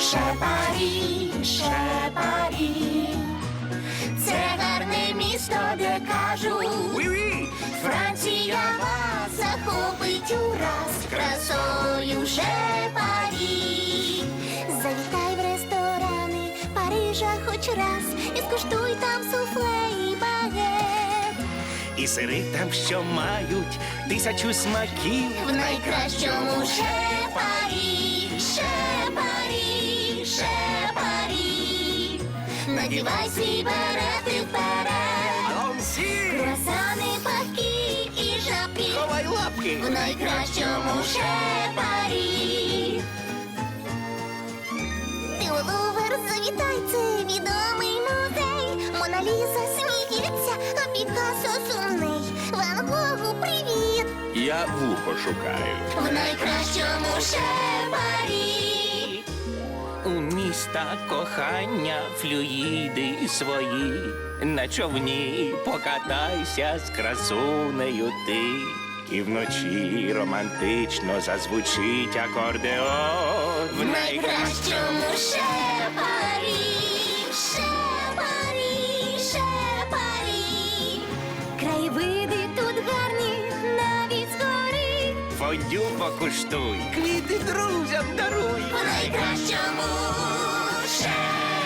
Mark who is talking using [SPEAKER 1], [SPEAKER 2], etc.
[SPEAKER 1] Шепарі, Шепарі, це гарне місто, де кажуть, Франція вас захопить ураз красою Шепарі. Завітай в ресторани Парижа хоч раз і скуштуй там суфле і багет.
[SPEAKER 2] І сири там, що мають 1000 смаків.
[SPEAKER 1] В найкращому Шепарі, Шепарі, Шепарі. Надівай свій берет і вперед. Круасани, паки і жабки.
[SPEAKER 2] Ховай лапки.
[SPEAKER 1] В найкращому Шепарі. Ти у Лувр завітай, це відомий музей. Мона Ліза сміється, а Пікассо сумний. Ван Гогу привіт.
[SPEAKER 2] Я вухо шукаю.
[SPEAKER 1] В найкращому Шепарі.
[SPEAKER 2] У міста кохання флюїди свої. На човні покатайся з красунею ти. І вночі романтично зазвучить акордеон.
[SPEAKER 1] В найкращому Шепарі, Шепарі, Шепарі. Краєвиди тут гарні, навіть згори.
[SPEAKER 2] Фондю покуштуй, квіти друзям даруй.
[SPEAKER 1] В найкращому Шепарі.